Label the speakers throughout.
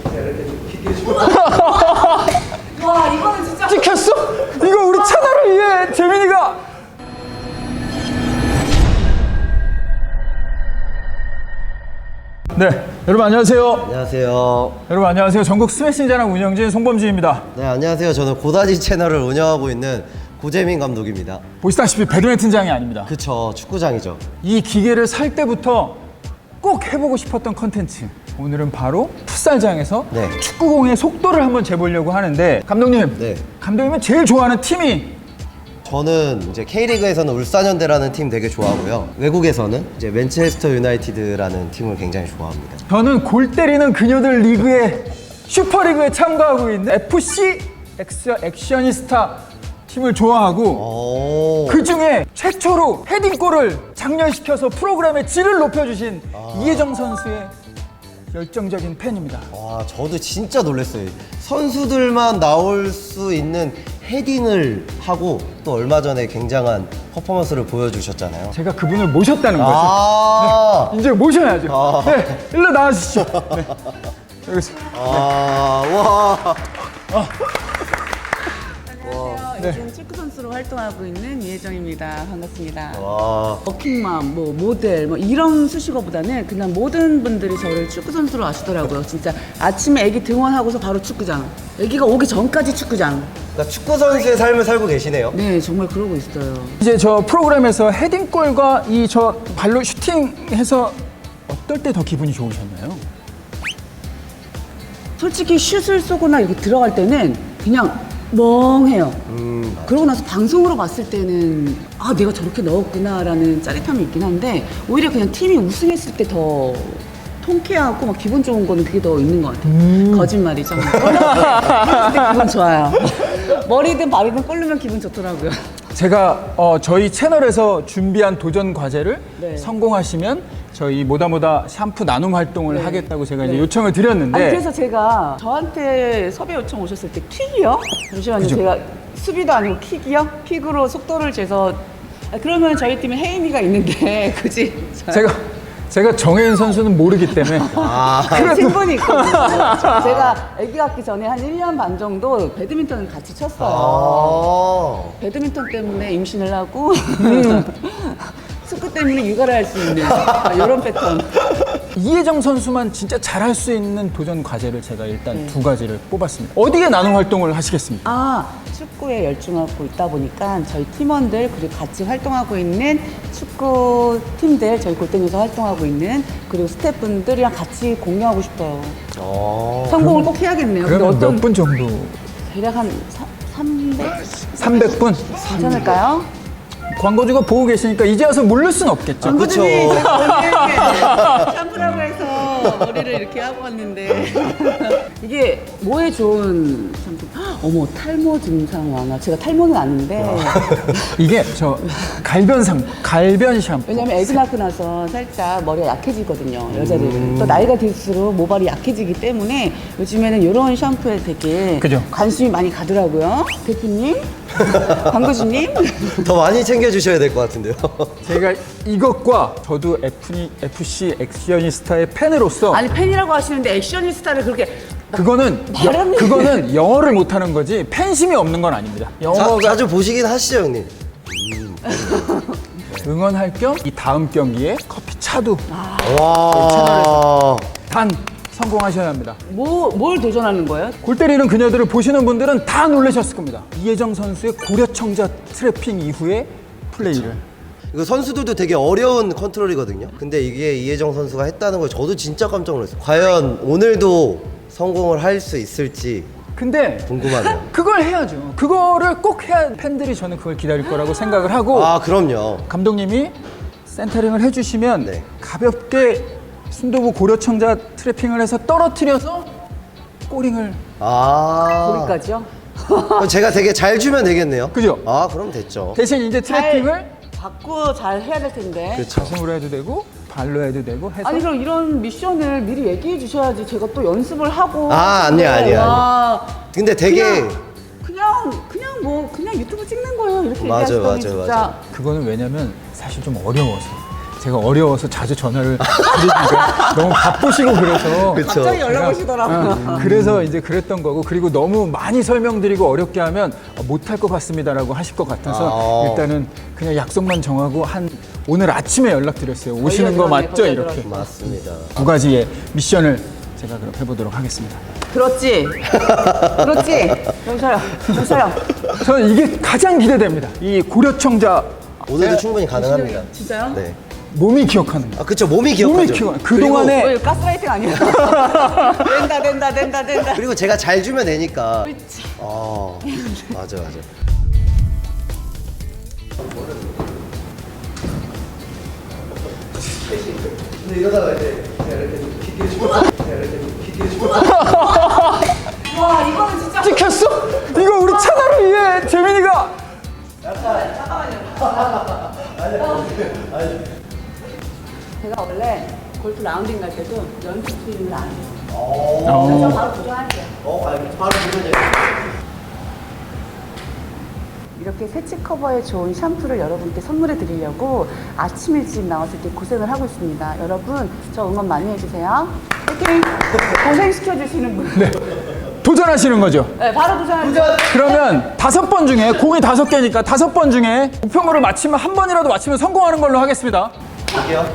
Speaker 1: 와, 이거는 진짜.
Speaker 2: 찍혔어? 이거 우리 채널을 위해 재민이가. 네, 여러분 안녕하세요.
Speaker 3: 안녕하세요.
Speaker 2: 여러분 안녕하세요. 전국 스매싱 자랑 운영진 송범주입니다.
Speaker 3: 네, 안녕하세요. 저는 고다지 채널을 운영하고 있는 고재민 감독입니다.
Speaker 2: 보시다시피 배드민턴장이 아닙니다.
Speaker 3: 그쵸, 축구장이죠.
Speaker 2: 이 기계를 살 때부터 꼭 해보고 싶었던 컨텐츠. 오늘은 바로 풋살장에서
Speaker 3: 네.
Speaker 2: 축구공의 속도를 한번 재보려고 하는데 감독님,
Speaker 3: 네.
Speaker 2: 감독님은 제일 좋아하는 팀이
Speaker 3: 저는 이제 K리그에서는 울산현대라는 팀 되게 좋아하고요. 외국에서는 이제 맨체스터 유나이티드라는 팀을 굉장히 좋아합니다.
Speaker 2: 저는 골 때리는 그녀들 리그에 슈퍼리그에 참가하고 있는 FC 액션이스타 팀을 좋아하고
Speaker 3: 오.
Speaker 2: 그 중에 최초로 헤딩골을 장렬시켜서 프로그램의 질을 높여주신 이혜정 선수의 열정적인 팬입니다.
Speaker 3: 와, 저도 진짜 놀랐어요. 선수들만 나올 수 있는 헤딩을 하고 또 얼마 전에 굉장한 퍼포먼스를 보여주셨잖아요.
Speaker 2: 제가 그분을 모셨다는 거죠.
Speaker 3: 아,
Speaker 2: 이제 모셔야죠.
Speaker 3: 아.
Speaker 2: 네, 일로 나와주시죠. 네. 여기서.
Speaker 3: 와.
Speaker 1: 안녕하세요. 요즘 축구 선수로 활동하고 있는 이혜정입니다. 반갑습니다.
Speaker 3: 와.
Speaker 1: 워킹맘, 뭐 모델, 뭐 이런 수식어보다는 그냥 모든 분들이 저를 축구 선수로 아시더라고요. 진짜 아침에 아기 등원하고서 바로 축구장. 아기가 오기 전까지 축구장.
Speaker 3: 그러니까 축구 선수의 삶을 살고 계시네요.
Speaker 1: 네, 정말 그러고 있어요.
Speaker 2: 이제 저 프로그램에서 헤딩골과 이 저 발로 슈팅해서 어떨 때 더 기분이 좋으셨나요?
Speaker 1: 솔직히 슛을 쏘거나 이렇게 들어갈 때는 그냥 멍해요. 그러고 나서 방송으로 봤을 때는 아, 내가 저렇게 넣었구나라는 짜릿함이 있긴 한데 오히려 그냥 팀이 우승했을 때 더 통쾌하고 막 기분 좋은 거는 그게 더 있는 것 같아요. 거짓말이죠. 근데 기분 좋아요. 머리든 발이든 꼴르면 기분 좋더라고요.
Speaker 2: 제가 저희 채널에서 준비한 도전 과제를
Speaker 1: 네.
Speaker 2: 성공하시면 저희 모다모다 샴푸 나눔 활동을
Speaker 1: 네.
Speaker 2: 하겠다고 제가
Speaker 1: 네.
Speaker 2: 이제 요청을 드렸는데
Speaker 1: 아니, 그래서 제가 저한테 섭외 요청 오셨을 때 킥이요? 잠시만요.
Speaker 2: 그죠?
Speaker 1: 제가 수비도 아니고 킥이요? 킥으로 속도를 재서 그러면 저희 팀에 혜인이가 있는데 굳이
Speaker 2: 제가 정혜인 선수는 모르기 때문에
Speaker 1: 친분이 있거든요. 제가 아기 갖기 전에 한 1년 반 정도 배드민턴을 같이 쳤어요.
Speaker 3: 아.
Speaker 1: 배드민턴 때문에 임신을 하고 축구 때문에 육아를 할 수 있는 이런 패턴.
Speaker 2: 이혜정 선수만 진짜 잘할 수 있는 도전 과제를 제가 일단 두 가지를 뽑았습니다. 어디에 나눔 활동을 하시겠습니까?
Speaker 1: 아, 축구에 열중하고 있다 보니까 저희 팀원들 그리고 같이 활동하고 있는 축구 팀들 저희 골대에서 활동하고 있는 그리고 스태프분들이랑 같이 공유하고 싶어요. 성공을 꼭 해야겠네요. 근데
Speaker 2: 그러면
Speaker 1: 어떤
Speaker 2: 몇 분 정도?
Speaker 1: 대략 한 300?
Speaker 2: 300분?
Speaker 1: 괜찮을까요?
Speaker 2: 광고주가 보고 계시니까 이제 와서 물를 순 없겠죠.
Speaker 1: 광고주님
Speaker 3: 그쵸.
Speaker 1: 제가 샴푸라고 해서 머리를 이렇게 하고 왔는데 이게 뭐에 좋은 샴푸? 어머, 탈모 증상 완화. 제가 탈모는 아닌데
Speaker 2: 이게 저 갈변 샴푸.
Speaker 1: 왜냐면 애기 낳고 나서 살짝 머리가 약해지거든요, 여자들은. 또 나이가 들수록 모발이 약해지기 때문에 요즘에는 이런 샴푸에 되게
Speaker 2: 그죠.
Speaker 1: 관심이 많이 가더라고요. 대표님, 광고주님.
Speaker 3: 더 많이 챙겨주셔야 될 것 같은데요.
Speaker 2: 제가 이것과 저도 FC 액션이스타의 팬으로서
Speaker 1: 아니, 팬이라고 하시는데 액션이스타를 그렇게
Speaker 2: 그거는 영어를 못하는 거지 팬심이 없는 건 아닙니다. 영어가
Speaker 3: 자주 보시긴 하시죠, 형님.
Speaker 2: 응원할 겸 이 다음 경기에 커피 차도
Speaker 3: 와.
Speaker 2: 단 성공하셔야 합니다.
Speaker 1: 뭘 도전하는 거예요?
Speaker 2: 골 때리는 그녀들을 보시는 분들은 다 놀라셨을 겁니다. 이혜정 선수의 고려청자 트래핑 이후의 플레이를.
Speaker 3: 이거 선수들도 되게 어려운 컨트롤이거든요. 근데 이게 이혜정 선수가 했다는 걸 저도 진짜 깜짝 놀랐어요. 과연 오늘도 성공을 할 수 있을지
Speaker 2: 근데
Speaker 3: 궁금하네요.
Speaker 2: 그걸 해야죠. 그거를 꼭 해야 팬들이 저는 그걸 기다릴 거라고 생각을 하고
Speaker 3: 아, 그럼요.
Speaker 2: 감독님이 센터링을 해주시면
Speaker 3: 네.
Speaker 2: 가볍게 순도부 고려청자 트래핑을 해서 떨어뜨려서 꼬링을.
Speaker 1: 거기까지요?
Speaker 3: 그럼 제가 되게 잘 주면 되겠네요.
Speaker 2: 그죠?
Speaker 3: 아, 그럼 됐죠.
Speaker 2: 대신 이제 트래핑을
Speaker 1: 받고 잘 해야 될 텐데.
Speaker 3: 그렇죠.
Speaker 2: 가슴으로 해도 되고 발로 해도 되고 해서.
Speaker 1: 아니, 그럼 이런 미션을 미리 얘기해 주셔야지 제가 또 연습을 하고.
Speaker 3: 아, 아니야.
Speaker 1: 와,
Speaker 3: 근데 되게
Speaker 1: 그냥 유튜브 찍는 거예요. 이렇게
Speaker 3: 맞아요,
Speaker 1: 얘기하시더니
Speaker 3: 맞아요,
Speaker 1: 진짜.
Speaker 3: 맞아요.
Speaker 2: 그거는 왜냐면 사실 좀 어려워서 제가 어려워서 자주 전화를 드리니까 너무 바쁘시고 그래서
Speaker 1: 갑자기 연락 오시더라고요.
Speaker 2: 그래서 이제 그랬던 거고, 그리고 너무 많이 설명드리고 어렵게 하면 못할 것 같습니다라고 하실 것 같아서 일단은 그냥 약속만 정하고 오늘 아침에 연락드렸어요. 오시는 거 맞죠? 이렇게
Speaker 3: 맞습니다.
Speaker 2: 2가지의 미션을 제가 그럼 해보도록 하겠습니다.
Speaker 1: 그렇지. 그렇지. 여보세요.
Speaker 2: 저는 이게 가장 기대됩니다. 이 고려청자
Speaker 3: 오늘도 충분히 가능합니다.
Speaker 1: 진짜요?
Speaker 3: 네.
Speaker 2: 몸이 기억하는 거.
Speaker 3: 아, 그쵸. 몸이 기억하죠.
Speaker 2: 그동안에
Speaker 1: 왜 가스라이팅 아니야? 된다.
Speaker 3: 그리고 제가 잘 주면 되니까.
Speaker 1: 그렇지.
Speaker 3: 맞아. 근데 이러다가 이제 이렇게 좀 깊게 주고
Speaker 1: 와, 이거는 진짜.
Speaker 2: 찍혔어? 이거 우리 채널을 위해 재민이가
Speaker 1: 제가 원래 골프 라운딩 갈 때도 연습 스윙을 안 해요. 그래서 바로 도전할게요.
Speaker 3: 바로 주면
Speaker 1: 이렇게 새치 커버에 좋은 샴푸를 여러분께 선물해 드리려고 아침 일찍 나와서 이렇게 고생을 하고 있습니다. 여러분, 저 응원 많이 해주세요. 화이팅! 고생시켜주시는 분.
Speaker 2: 네. 도전하시는 거죠?
Speaker 1: 네, 바로 도전할게요.
Speaker 2: 그러면 5번 중에 공이 5개니까 5번 중에 우평으로 맞히면 한 번이라도 맞히면 성공하는 걸로 하겠습니다.
Speaker 3: 볼게요.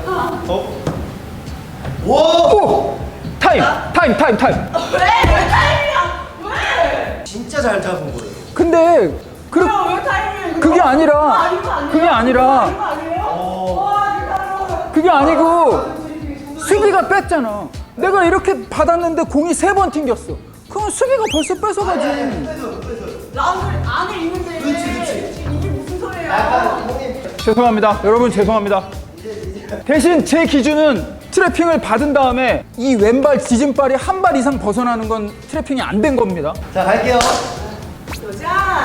Speaker 2: 오! 타임!
Speaker 1: 왜 타임이야? 왜?
Speaker 3: 진짜 잘 잡은 거예요.
Speaker 2: 근데
Speaker 1: 왜 타임이야?
Speaker 2: 그게 아니라 그게 아니라 그게 아니고 수비가 뺐잖아. 내가 이렇게 받았는데 공이 3번 튕겼어. 그럼 수비가 벌써 뺏어가지.
Speaker 1: 라운드 안에 있는데. 그렇지. 이게 무슨 소리야?
Speaker 2: 죄송합니다. 여러분 죄송합니다. 대신 제 기준은 트래핑을 받은 다음에 이 왼발 지진발이 한 발 이상 벗어나는 건 트래핑이 안 된 겁니다.
Speaker 3: 자, 갈게요.
Speaker 1: 도전!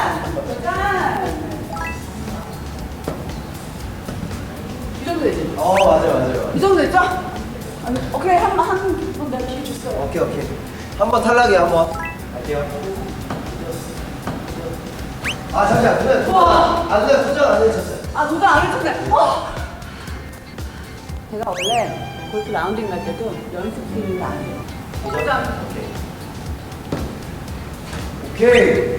Speaker 1: 이 정도 되지?
Speaker 3: 맞아요.
Speaker 1: 이 정도 됐죠? 아니, 오케이, 한번 내가 기회 줬어요.
Speaker 3: 오케이. 한번 탈락이야, 한번. 갈게요. 잠시만. 누나 도전 안 해주셨어요.
Speaker 1: 도전 안 해줬네. 제가 원래 골프 라운딩 갈 때도 연습 스윙을 안 해요. 도전!
Speaker 3: 오케이.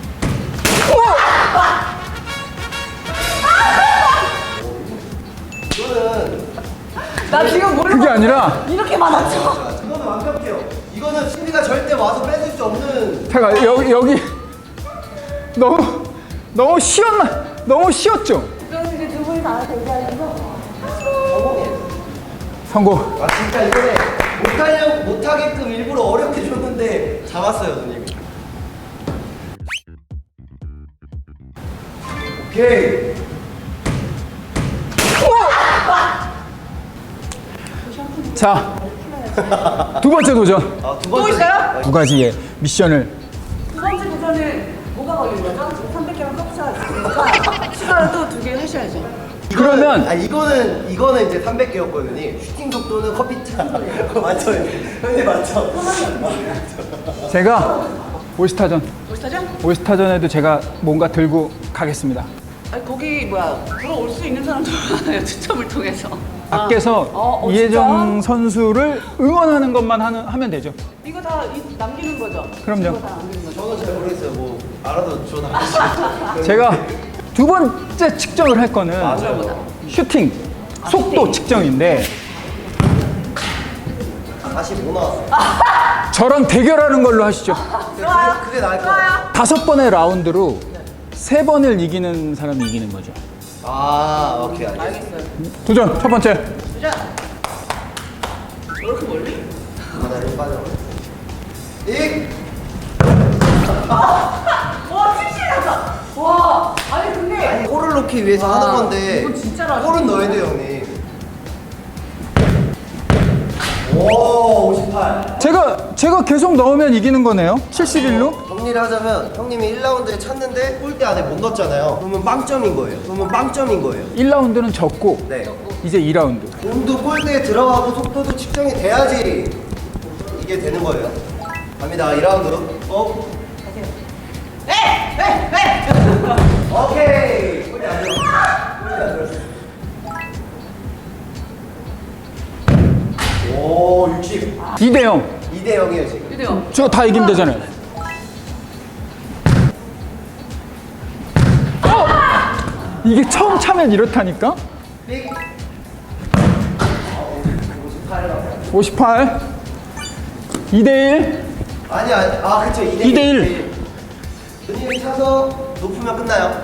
Speaker 3: 이거는
Speaker 1: 나 지금 모르고
Speaker 2: 그게 아니라
Speaker 1: 이렇게 많았죠?
Speaker 3: 이거는 완벽해요. 이거는 수비가 절대 와서 뺏을 수 없는.
Speaker 2: 제가 여기 너무 쉬었나? 너무 쉬었죠?
Speaker 1: 그럼 이제 두 분이 다 대기하면서
Speaker 2: 성공.
Speaker 3: 진짜 이번에 못하게끔 일부러 어렵게 줬는데 잡았어요, 누님. 오케이.
Speaker 2: 자, 2번째 도전.
Speaker 3: 두
Speaker 1: 또
Speaker 3: 번째.
Speaker 1: 있어요?
Speaker 2: 2가지의 미션을.
Speaker 1: 두 번째 도전은 뭐가 걸린 거죠? 지금 300개만 커피차 있으니까 추가로 또 2개 하셔야죠.
Speaker 2: 그러면
Speaker 3: 이거는 이제 300개였거든요. 슈팅 속도는 커피차. 맞죠? 형님 맞죠?
Speaker 2: 제가 올스타전
Speaker 1: 멋있다죠?
Speaker 2: 올스타전에도 제가 뭔가 들고 가겠습니다.
Speaker 1: 아니 거기 들어올 수 있는 사람도 많아요. 추첨을 통해서.
Speaker 2: 밖에서 이혜정 선수를 응원하는 것만 하면 되죠.
Speaker 1: 이거 다 남기는 거죠?
Speaker 2: 그럼요.
Speaker 1: 이거 다 남기는 거죠?
Speaker 3: 저는 잘 모르겠어요. 뭐 알아도 전화.
Speaker 2: 제가 2번째 측정을 할 거는 슈팅 속도 측정인데
Speaker 3: 45 나왔어.
Speaker 2: 저랑 대결하는 걸로 하시죠.
Speaker 3: 그게 나을 것 같아요.
Speaker 2: 5번의 라운드로 3번을 이기는 사람이 이기는 거죠.
Speaker 3: 오케이, 알겠습니다.
Speaker 1: 알겠어요.
Speaker 2: 도전 첫 번째.
Speaker 1: 도전! 이렇게 멀리?
Speaker 3: 하나를 빠져.
Speaker 1: 와, 칭찬하다! 와, 아니 근데
Speaker 3: 골을 넣기 위해서 하는 건데
Speaker 1: 이건 진짜로
Speaker 3: 골은 넣어야 돼요, 형님. 오, 58.
Speaker 2: 제가 계속 넣으면 이기는 거네요. 71로.
Speaker 3: 정리를 하자면 형님이 1라운드에 찼는데 골대 안에 못 넣었잖아요. 그러면 빵점인 거예요.
Speaker 2: 1라운드는 졌고
Speaker 3: 네.
Speaker 2: 이제 2라운드.
Speaker 3: 공도 골대에 들어가고 속도도 측정이 돼야지 이게 되는 거예요. 갑니다. 2라운드로. 오케이. 골대 안 들어. 오, 60.
Speaker 2: 2대 0.
Speaker 3: 2대 0이에요, 지금.
Speaker 1: 그래요.
Speaker 2: 저 다 이기면 되잖아요. 이게 처음 차면 이렇다니까?
Speaker 3: 삑.
Speaker 2: 58. 2대 1.
Speaker 3: 아니, 그쵸. 2대
Speaker 2: 2대 1.
Speaker 3: 누님이 차서 높으면 끝나요.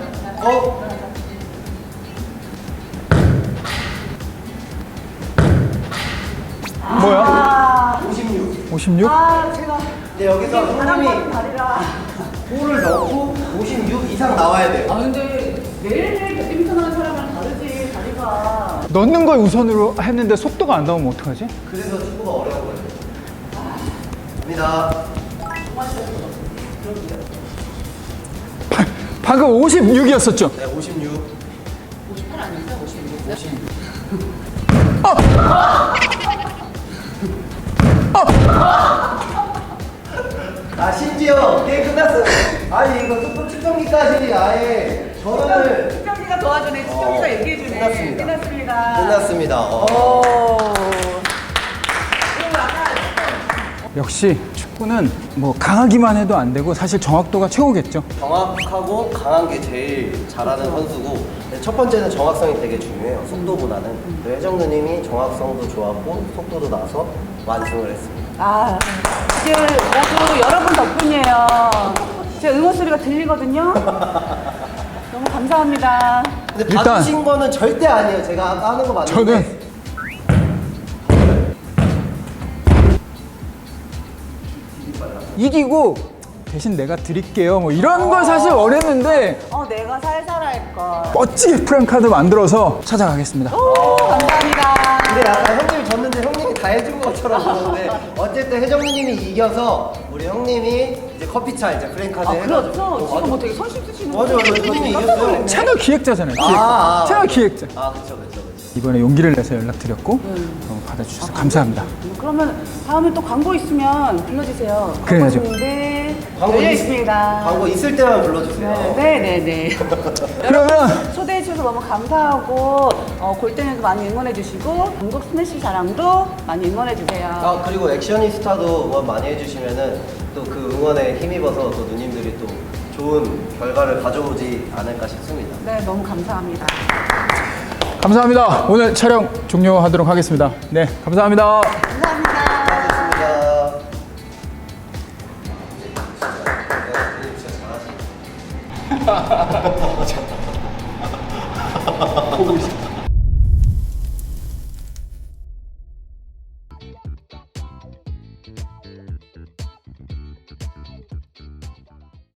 Speaker 2: 뭐야?
Speaker 3: 56.
Speaker 2: 56?
Speaker 1: 제가
Speaker 3: 근데 여기서 형님이
Speaker 1: 다리라.
Speaker 3: 볼을 넣고 56 이상 나와야 돼요.
Speaker 1: 근데 매일매일 배드민턴 하는 사람은 다르지, 다리가.
Speaker 2: 넣는 걸 우선으로 했는데 속도가 안 나오면 어떡하지?
Speaker 3: 그래서 축구가 어려운 거예요. 갑니다.
Speaker 2: 방금 56이었었죠?
Speaker 3: 네, 56.
Speaker 1: 58 아닌가? 56.
Speaker 3: 심지어 게임 끝났어요. 아니, 이거 속도 측정기까지 아예 전원을.
Speaker 1: 측정기가 도와주네, 측정기가 얘기해주네.
Speaker 3: 끝났습니다.
Speaker 1: 끝났습니다.
Speaker 3: 끝났습니다.
Speaker 1: 그리고 약간
Speaker 2: 역시 축구는 뭐 강하기만 해도 안 되고 사실 정확도가 최고겠죠.
Speaker 3: 정확하고 강한 게 제일 잘하는 선수고, 근데 첫 번째는 정확성이 되게 중요해요. 속도보다는. 혜정 누님이 정확성도 좋았고 속도도 나서 완승을 했습니다.
Speaker 1: 이게 모두 여러분 덕분이에요. 제 응원 소리가 들리거든요. 너무 감사합니다.
Speaker 3: 근데
Speaker 2: 일단-
Speaker 3: 봐주신 거는 절대 아니에요. 제가 아까 하는 거 맞는데.
Speaker 2: 저는 이기고 대신 내가 드릴게요. 뭐 이런 걸 사실 원했는데
Speaker 1: 내가 살살 할걸.
Speaker 2: 멋지게 프랭카드 만들어서 찾아가겠습니다.
Speaker 1: 감사합니다.
Speaker 3: 근데 약간 형님이 졌는데 형님이 다 해준 것처럼 그러는데 어쨌든 혜정 누님이 이겨서 우리 형님이 이제 커피차 이제 프랭카드 해가지고.
Speaker 1: 그렇죠. 지금 뭐 되게 선심 쓰시는
Speaker 3: 맞아, 맞아. 형님이 이겼어요.
Speaker 2: 채널 기획자잖아요. 기획자. 채널 기획자.
Speaker 3: 그쵸.
Speaker 2: 이번에 용기를 내서 연락드렸고 받아주셔서 감사합니다.
Speaker 1: 그러면 다음에 또 광고 있으면 불러주세요.
Speaker 2: 그래야죠.
Speaker 1: 광고인데 열려 있습니다.
Speaker 3: 광고 있을 때만 불러주세요.
Speaker 1: 네네네.
Speaker 2: 그러면
Speaker 1: 초대해 주셔서 너무 감사하고 골대에도 많이 응원해 주시고 전국 스매시 자랑도 많이 응원해 주세요.
Speaker 3: 그리고 액션이스타도 응원 많이 해주시면은 또 그 응원에 힘입어서 또 누님들이 또 좋은 결과를 가져오지 않을까 싶습니다.
Speaker 1: 네, 너무 감사합니다.
Speaker 2: 감사합니다. 오늘 촬영 종료하도록 하겠습니다. 네, 감사합니다.
Speaker 1: 감사합니다.
Speaker 3: 고맙습니다.
Speaker 2: 보고 있어.